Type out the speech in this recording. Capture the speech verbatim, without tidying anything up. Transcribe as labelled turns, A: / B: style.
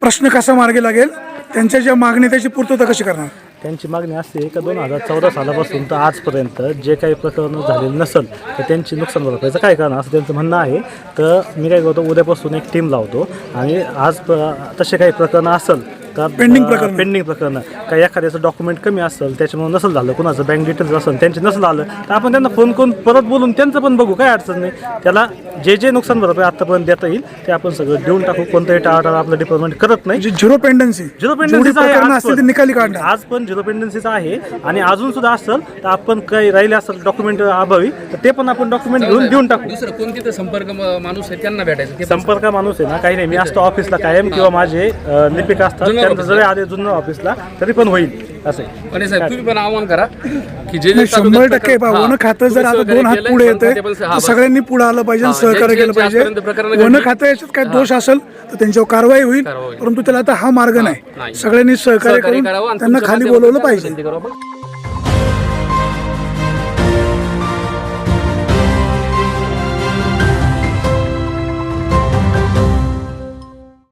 A: प्रश्न कसा मार्गी लागेल, त्यांच्या ज्या मागणी त्याची पूर्तता कशी करणार?
B: त्यांची मागणी असते का दोन हजार चौदा सालापासून तर आजपर्यंत जे काही प्रकरण झालेलं नसेल तर त्यांची नुकसान भरपाईचं काय करणार असं त्यांचं म्हणणं आहे. तर मी काय करतो, उद्यापासून एक टीम लावतो आणि आज तसे काही प्रकरणं असेल का
A: पेंडिंग प्रकरण
B: पेंडिंग प्रकरणं काही एखाद्याचं डॉक्युमेंट कमी असेल त्याच्यामुळे नसेल झालं, कुणाचं बँक डिटेल्स असेल त्यांचे नसेल आलं तर आपण त्यांना फोन करून परत बोलून त्यांचं पण बघू, काय अडचण नाही. त्याला जे जे नुकसान भरपाई आतापर्यंत देता येईल ते आपण सगळं देऊन टाकू. कोणतंही टाळाटाळ आपलं डिपार्टमेंट करत नाही.
A: झिरो पेंडन्सी
B: झिरो पेंडन्सीच आहे,
A: निकाली काढणार
B: आज पण झिरो पेंडन्सीच आहे. आणि अजून सुद्धा असेल तर आपण काही राहिले असेल डॉक्युमेंट अभावी तर ते पण आपण डॉक्युमेंट घेऊन देऊन टाकू.
C: दुसरं कोणती संपर्क माणूस आहे त्यांना भेटायचं.
B: संपर्क माणूस आहे ना, काही नाही, मी असतो ऑफिसला कायम किंवा माझे लिपिक असतात, त्यांचं जरी आले जुन्नर ऑफिसला तरी पण होईल असं.
C: पण साहेब तुम्ही पण आव्हान करा की जे जे
A: शंभर टक्के वन खातं जर आता दोन हात पुढे येते तर सगळ्यांनी पुढे आलं पाहिजे, सहकार्य केलं पाहिजे. वन खातं याच्यात काय दोष असेल तर त्यांच्यावर कारवाई होईल, परंतु त्याला आता हा मार्ग नाही. सगळ्यांनी सहकार्य करून त्यांना खाली बोलवलं पाहिजे.